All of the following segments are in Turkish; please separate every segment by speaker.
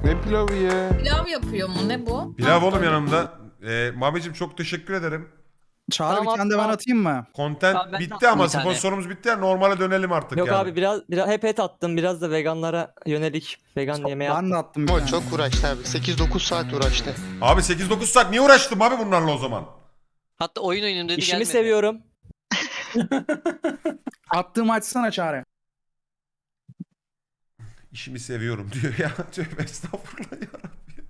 Speaker 1: Ne pilavı ya?
Speaker 2: Pilav yapıyor mu? Ne bu?
Speaker 3: Pilav oğlum yanımda. Mami'cim çok teşekkür ederim.
Speaker 4: Çağrı
Speaker 5: Tamam,
Speaker 4: bir tane de ben
Speaker 5: tamam.
Speaker 4: atayım mı?
Speaker 3: Content
Speaker 5: Abi ben de
Speaker 3: bitti
Speaker 5: attım
Speaker 3: ama
Speaker 5: bir tane.
Speaker 3: sponsorumuz bitti ya, normale dönelim artık
Speaker 5: Yok
Speaker 3: yani.
Speaker 5: abi biraz hep et attım. Biraz da veganlara yönelik vegan yemeği
Speaker 4: Ben
Speaker 5: attım.
Speaker 4: de attım bir
Speaker 6: Ama
Speaker 4: tane.
Speaker 6: çok uğraştı abi. 8-9 saat uğraştı.
Speaker 3: Abi 8-9 saat niye uğraştım abi bunlarla o zaman?
Speaker 7: Hatta oyun oynayayım dedi
Speaker 5: İşimi
Speaker 7: gelmedi.
Speaker 5: seviyorum.
Speaker 4: Attığımı açsana Çağrı.
Speaker 3: İşimi seviyorum diyor ya. Tövbe estağfurullah yarabbim.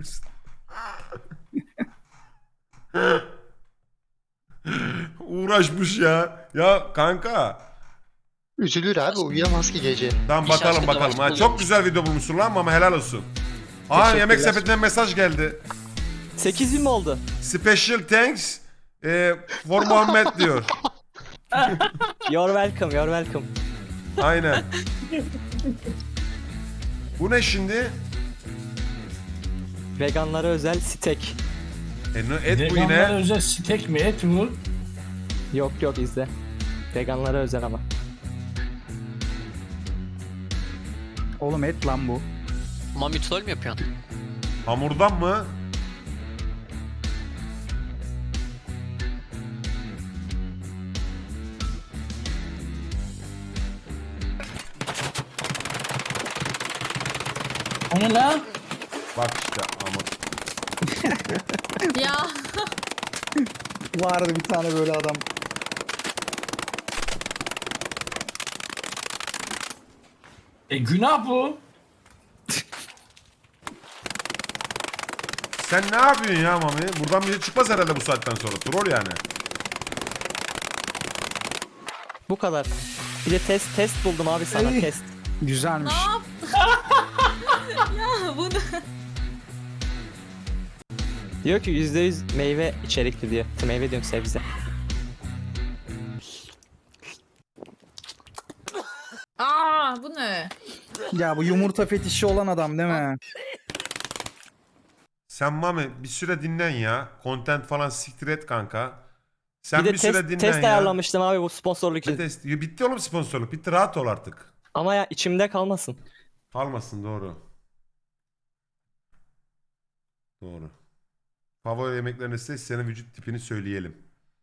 Speaker 3: Uğraşmış ya. Ya kanka.
Speaker 6: Üzülür abi, uyuyamaz ki gece.
Speaker 3: Tamam
Speaker 7: İş
Speaker 3: bakalım
Speaker 7: aşkı da
Speaker 3: bakalım.
Speaker 7: başka
Speaker 3: Ha,
Speaker 7: oluyormuş.
Speaker 3: çok güzel video bulmuşsun lan ama helal olsun. Aa yemek
Speaker 5: Teşekkürler.
Speaker 3: sepetinden mesaj geldi.
Speaker 5: 8.000 mi oldu?
Speaker 3: Special thanks for Muhammed diyor.
Speaker 5: You're welcome, you're welcome.
Speaker 3: Aynen. Bu ne şimdi?
Speaker 5: Veganlara özel steak.
Speaker 3: Et bu
Speaker 8: Veganlara
Speaker 3: yine.
Speaker 8: özel steak mi, et mi?
Speaker 5: Yok yok izle. Veganlara özel ama.
Speaker 4: Oğlum et lan bu.
Speaker 7: Mami troll mü yapıyorsun?
Speaker 3: Hamurdan mı?
Speaker 8: O ne lan?
Speaker 3: Bak işte ama.
Speaker 2: Ya
Speaker 4: Vardı bir tane böyle adam.
Speaker 8: Günah bu.
Speaker 3: Sen ne yapıyorsun ya Mami? Buradan bir şey çıkmaz herhalde bu saatten sonra. Troll yani.
Speaker 5: Bu kadar. Bir de test buldum abi sana
Speaker 4: Ay.
Speaker 5: test.
Speaker 4: Güzelmiş.
Speaker 2: ne yaptın? Ya bunu.
Speaker 5: Diyor ki %100 meyve içerikli diyor. Meyve diyorum sebze.
Speaker 2: Aa bu ne?
Speaker 4: Ya bu yumurta fetişi olan adam değil mi?
Speaker 3: Sen Mami bir süre dinlen ya. Content falan siktir et kanka. Sen
Speaker 5: Bir de
Speaker 3: bir süre dinlen
Speaker 5: test
Speaker 3: ya.
Speaker 5: ayarlamıştım abi bu sponsorluk
Speaker 3: Ne
Speaker 5: için.
Speaker 3: test? Ya bitti oğlum sponsorluk. Bitti, rahat ol artık.
Speaker 5: Ama ya içimde kalmasın.
Speaker 3: Kalmasın, doğru. Doğru. Favori yemeklerini seç, senin vücut tipini söyleyelim.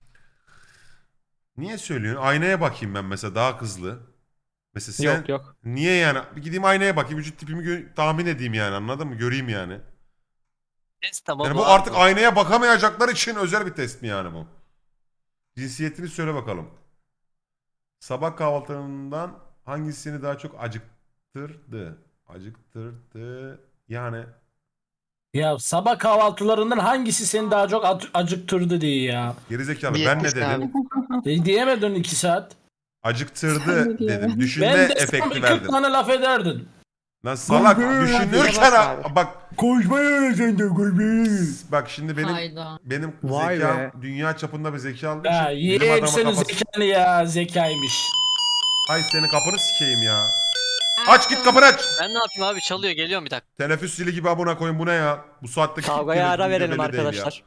Speaker 3: Niye söylüyorsun? Aynaya bakayım ben mesela, daha hızlı. Mesela sen
Speaker 5: Yok yok.
Speaker 3: niye yani? Bir gideyim aynaya bakayım, vücut tipimi tahmin edeyim yani, anladın mı? Göreyim yani.
Speaker 7: Test tamam.
Speaker 3: Yani bu
Speaker 7: abi.
Speaker 3: artık aynaya bakamayacaklar için özel bir test mi yani bu? Cinsiyetini söyle bakalım. Sabah kahvaltılarından hangisini daha çok acıktırdı? Acıktırdı yani.
Speaker 8: Ya sabah kahvaltılarından hangisi seni daha çok acıktırdı diye ya.
Speaker 3: Gerizekalı,
Speaker 6: Bir
Speaker 3: ben ne
Speaker 6: yetkisi
Speaker 3: dedim?
Speaker 8: Diyemedin 2 saat.
Speaker 3: Acıktırdı dedim. Düşünme
Speaker 8: Ben desem
Speaker 3: efekti
Speaker 8: 40
Speaker 3: verdim.
Speaker 8: tane laf ederdin.
Speaker 3: Lan salak, düşünürken bak
Speaker 8: Koşmayı öğreteceksin koşmayı.
Speaker 3: bak şimdi
Speaker 2: Hayda.
Speaker 3: benim
Speaker 4: Vay
Speaker 3: zekam
Speaker 4: be.
Speaker 3: dünya çapında bir zeka olduğu
Speaker 8: Ya
Speaker 3: için bilim
Speaker 8: yeğen
Speaker 3: adamı
Speaker 8: senin
Speaker 3: kafası.
Speaker 8: zekanı ya, zekaymış.
Speaker 3: Ay senin kapını sikeyim ya. Aç git kapını aç.
Speaker 7: Ben ne yapayım abi, çalıyor, geliyorum bir dakika.
Speaker 3: Teneffüs zili gibi abone koyun, bu ne ya? Bu saatte
Speaker 5: Kavgaya ara
Speaker 3: video
Speaker 5: verelim
Speaker 3: belli değil ya.
Speaker 5: arkadaşlar.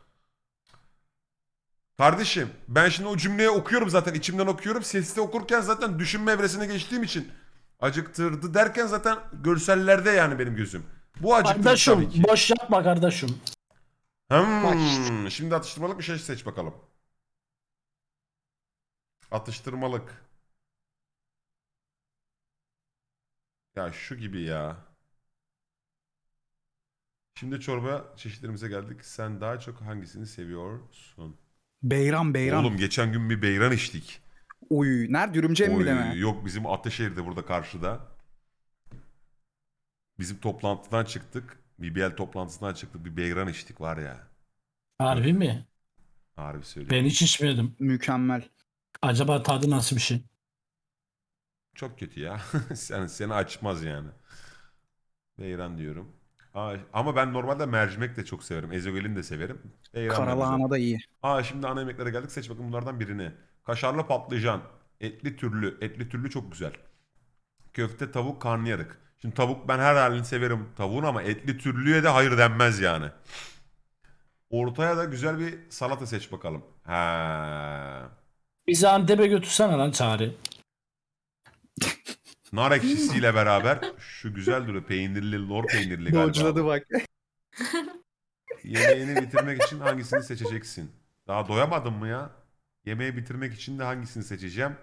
Speaker 3: Kardeşim ben şimdi o cümleyi okuyorum zaten, içimden okuyorum. Sesli okurken zaten düşünme evresine geçtiğim için acıktırdı derken zaten görsellerde yani benim gözüm. Bu acıktırdı tabii
Speaker 8: Kardeşim
Speaker 3: ki.
Speaker 8: boş yapma kardeşim.
Speaker 6: Bak işte.
Speaker 3: Şimdi atıştırmalık bir şey seç bakalım. Atıştırmalık. Ya şu gibi ya. Şimdi çorba çeşitlerimize geldik. Sen daha çok hangisini seviyorsun?
Speaker 4: Beyran.
Speaker 3: Oğlum geçen gün bir beyran içtik.
Speaker 4: Uy. Nerede? Ürümcem mi
Speaker 3: Oy,
Speaker 4: deme?
Speaker 3: yok bizim Ataşehir'de, burada karşıda. Bizim toplantıdan çıktık. BBL toplantısından çıktık. Bir beyran içtik var ya.
Speaker 8: Harbi mi?
Speaker 3: Harbi söylüyorum.
Speaker 8: Ben hiç içmedim.
Speaker 4: Mükemmel.
Speaker 8: Acaba tadı nasıl bir şey?
Speaker 3: Çok kötü ya. Seni açmaz yani. Beyran diyorum. Ama ben normalde mercimek de çok severim. Ezogelin de severim. Beyran da güzel.
Speaker 4: Karalahana da iyi.
Speaker 3: Şimdi ana yemeklere geldik. Seç bakın bunlardan birini. Kaşarlı patlıcan. Etli türlü. Etli türlü çok güzel. Köfte, tavuk, karnıyarık. Şimdi tavuk ben her halini severim tavuğun ama etli türlüye de hayır denmez yani. Ortaya da güzel bir salata seç bakalım. He.
Speaker 8: Bizi Antep'e götürsene lan Çağrı.
Speaker 3: nar ekşisiyle beraber şu güzel duruyor. Peynirli, lor peynirli galiba.
Speaker 4: Dodge'ladı bak.
Speaker 3: Yemeğini bitirmek için hangisini seçeceksin? Daha doyamadım mı ya? Yemeği bitirmek için de hangisini seçeceğim?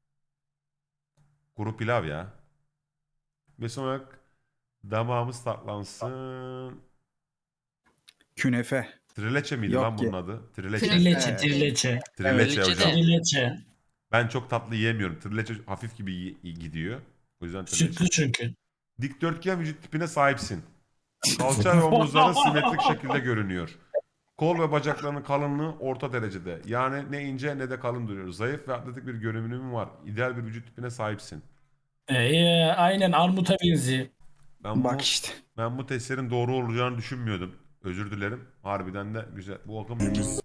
Speaker 3: Kuru pilav ya. Ve sonra damağımız tatlansın.
Speaker 4: Künefe.
Speaker 3: Trileçe miydi
Speaker 4: Yok
Speaker 3: lan bunun
Speaker 4: ki.
Speaker 3: adı? Trileçe.
Speaker 8: Trileçe, trileçe.
Speaker 3: Trileçe
Speaker 7: Trileçe
Speaker 3: hocam.
Speaker 7: de-
Speaker 8: Trileçe.
Speaker 3: Ben çok tatlı yiyemiyorum. Trileçe hafif gibi gidiyor. O yüzden trileçe.
Speaker 8: Sütlü çünkü.
Speaker 3: Dikdörtgen vücut tipine sahipsin. Kalça ve omuzların simetrik şekilde görünüyor. Kol ve bacaklarının kalınlığı orta derecede. Yani ne ince ne de kalın duruyor. Zayıf ve atletik bir görünümün var. İdeal bir vücut tipine sahipsin.
Speaker 8: Aynen armuta benziyor.
Speaker 4: Bak işte.
Speaker 3: Ben bu testlerin doğru olacağını düşünmüyordum. Özür dilerim. Harbiden de güzel. Bu akım